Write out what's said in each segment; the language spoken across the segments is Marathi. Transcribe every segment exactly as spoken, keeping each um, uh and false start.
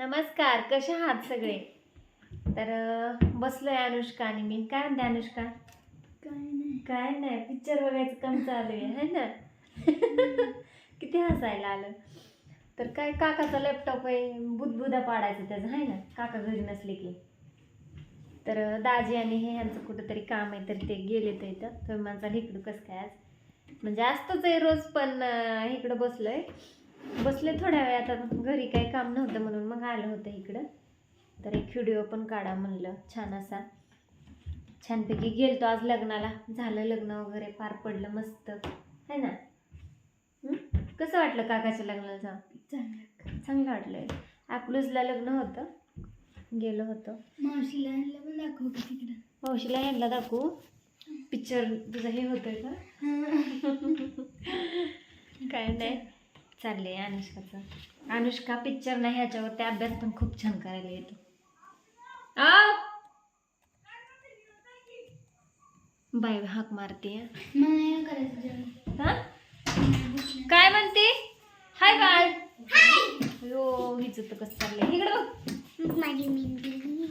नमस्कार, कशा आहात सगळे? तर अं, बसलोय अनुष्का आणि मी. काय म्हणते अनुष्का? काय नाही काय नाही, पिक्चर बघायचं काम चालू आहे है ना. किती हसायला आलं. तर काय काकाचा लॅपटॉप आहे, बुदबुदा पाडायचं त्याचं आहे ना, काका घरी नसले की. तर अं, दाजी आणि हे ह्यांचं कुठंतरी काम आहे, तर ते गेले तर इथं. तर माझा इकडं कसं काय आज म्हणजे असतंच आहे रोज, पण अं, इकडं बसलोय बसले थोड्या वेळ. आता घरी काही काम नव्हतं म्हणून मग आलं होतं इकडं. तर एक व्हिडिओ पण काढा म्हणलं छान असा. छानपैकी गेलतो आज लग्नाला, झालं लग्न वगैरे, पार पडलं मस्त है ना. हं? कसं वाटलं काकाच्या लग्नाला जाऊन? चांगलं. चांगलं वाटलं. अकलूजला लग्न होतं, गेलो होतो. मावशीला आणलं पण दाखव की तिकडं. मावशीला यांना दाखवू पिक्चर तुझं हे होतंय का? काय नाही चाललंय अनुष्काचं. अनुष्का पिक्चर नाही ह्याच्यावरती अभ्यास पण खूप छान करायला येतो. बाय हाक मारते. मला नाही करायचं जेवण. हा काय म्हणते? Hi bye. हो हिच तर कसं चाललंय इकडं बघ. माझी मेहंदी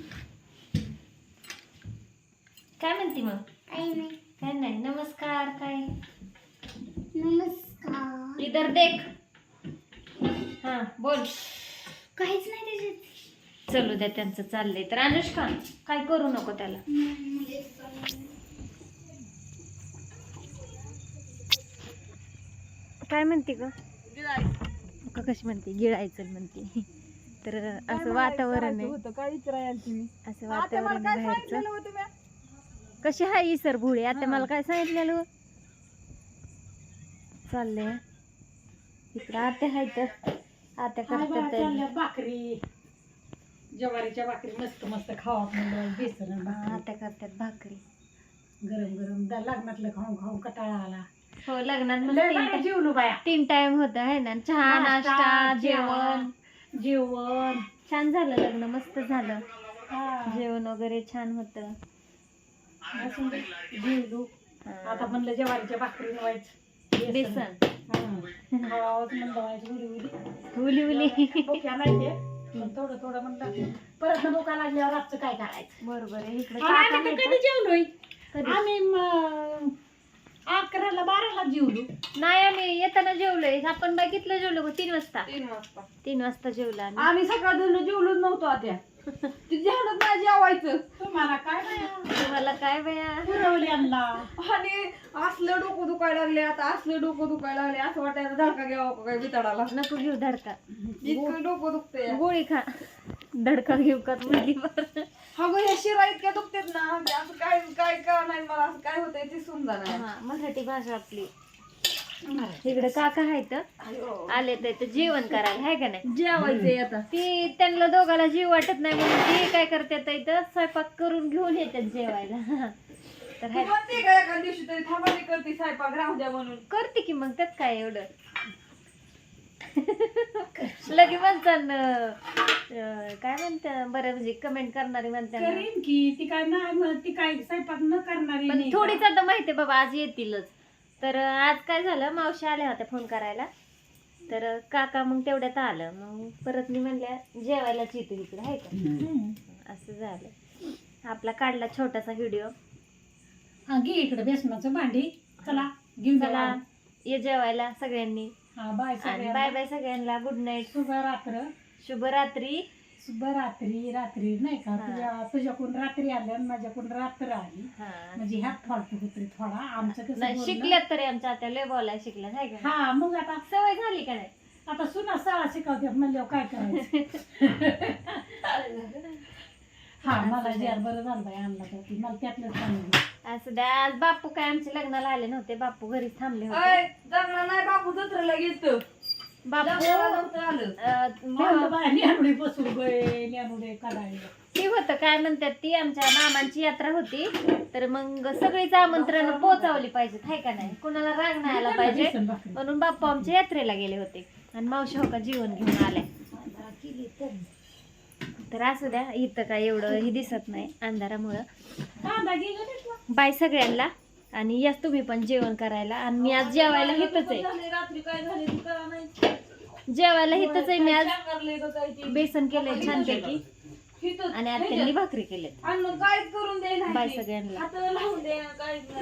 काय म्हणते मग? काही नाही. काय नाही. नमस्कार. काय नमस्कार. इधर देख. हा बोल. काहीच नाही त्याच्यात. चलू द्या, त्यांचं चाललंय. तर अनुष्का काय करू नको त्याला. काय म्हणते ग? का कशी म्हणते? गिळायचं म्हणते. तर असं वातावरण आहे, काय विचारायला तुम्ही? असं वातावरण आहे बाहेरचं. कशी हाय ही सर भुळे? आता मला काय सांगितलेलं चाललंय इकडं. आत्या हाय तर आत्या करतात भाकरी, ज्वारीच्या भाकरी मस्त मस्त खावा. बेसन आत्या करतात भाकरी गरम गरम. लग्नातलं खाऊन खाऊन कटाळा आला. हो. लग्नात जेवलो बाया. तीन टाइम होत आहे ना, चहा नाश्ता जेवण. जेवण छान झालं लग्न, मस्त झालं. जेवण वगैरे छान होत. जेवलो. आता म्हणलं ज्वारीच्या भाकरी व्हायचं बेसन खावावंच म्हणलं व्हायचं. उली उली उली उली भुक्या नाही ते, पण थोडं थोडं म्हणलं. परत भुका लागल्यावर रातचं काय करायचं? बरोबर आहे. इकडे कधी जेवलोय आम्ही? म- अकराला बाराला जेवलो. नाही आम्ही येताना जेवलोय. आपण बघितलं जेवलो तीन वाजता. तीन वाजता तीन वाजता जेवला आम्ही. आम्ही सकाळ धरून जेवलोच नव्हतो. आता ती जेवणच नाही जेवायचं. तुम्हाला काय नाही तुम्हाला काय बया. पुरवल्यांना. आणि असलं डोकं दुखायला लागले. आता असलं डोकं दुखायला लागले, असं वाटायचं धडका घ्यावा का काय बिताडाला. नको घेऊ धडका. इतकं डोकं दुखतंय. गोळी खा. धडका घेऊ का म्हणली बरं. हा गं, या शिरा इतक्या दुखतेत ना, ते असं काय काय का नाही मला, असं काय होतंय ते समजा नाही. हा मराठी भाषा आपली. इकडे काका आहेत आले तर जेवण करायला, हाय का नाही. जेवायचंय आता. ती त्यांना दोघाला जीव वाटत नाही म्हणून ते काय करतात इथं स्वयंपाक करून घेऊन येतात जेवायला. तर तू हाय म्हणते का एका दिवशी तरी थांबा मी करते स्वयंपाक राहू द्या म्हणून? करते की मग त्यात काय एवढं. लगे म्हणतात काय म्हणतात बरं, म्हणजे कमेंट करणारी म्हणतात करीन की ती काय नाही म्हणत, ती काय स्वयंपाक न करणारी पण नाही का? थोडीच आता माहितीये बाबा आज येतीलच. तर आज काय झालं, मावशी आल्या होत्या फोन करायला. तर काका मग तेवढ्यात आलं. मग परत मी म्हणल्या जेवायलाच येतो इकडे, आहे का. हम्म. असं झालं. आपला काढला छोटासा व्हिडिओ. हा घे इकडे बेसनाचं भांडी. चला घेऊन चला चला. ये जेवायला सगळ्यांनी. हा बाय आणि बाय बाय सगळ्यांना. Good night. शुभ रात्र. शुभरात्री. शुभ रात्री. रात्री नाही का, हा. तुझ्या तुझ्याकडून रात्री आल्या आणि माझ्याकडून रात्र आली. हा म्हणजे ह्यात फॉल्ट होतोय थोडा. आमचं कसं नाही, बोलणं- शिकल्यात तरी आमच्या आता लय बोलायला शिकल्यात, आहे का. हा मग आता सवय झाली का नाही. आता सुना शाळा शिकवतात म्हणल्यावर काय करायचं. हा मला जे बरं झालं बाई आणला तर ती मला त्यातलंच सांगितलं. असं द्या. आज बापू काय आमच्या लग्नाला आले नव्हते. बापू घरीच थांबले होते. जगला नाही बापू जत्रेला गेलतो. बापू आलं अं, न्यानुडे बसून गे न्यानुडे काढायला. ती होतं काय म्हणतात ती आमच्या मामांची यात्रा होती. तर मग सगळीच आमंत्रण पोचावली पाहिजेत, हाय का नाही. कुणाला राग नाही आला पाहिजे म्हणून बाप्पा आमच्या यात्रेला गेले होते. आणि मावशी हो का जीवन घेऊन आल्या. तर असू द्या. इथं काय एवढं ही दिसत नाही अंधारामुळं. बाय सगळ्यांना. आणि याच तुम्ही पण जेवण करायला. आणि मी आज जेवायला इथंच आहे. रात्री काय झाले जेवायला हिथंच आहे मी आज शांगरलंय का काय ते. बेसन केलंय छानपैकी हिथंच. आणि आत्यांनी भाकरी केले आणि मग काहीच करून दे बाय सगळ्यांना. हात लावून दे काहीच नाही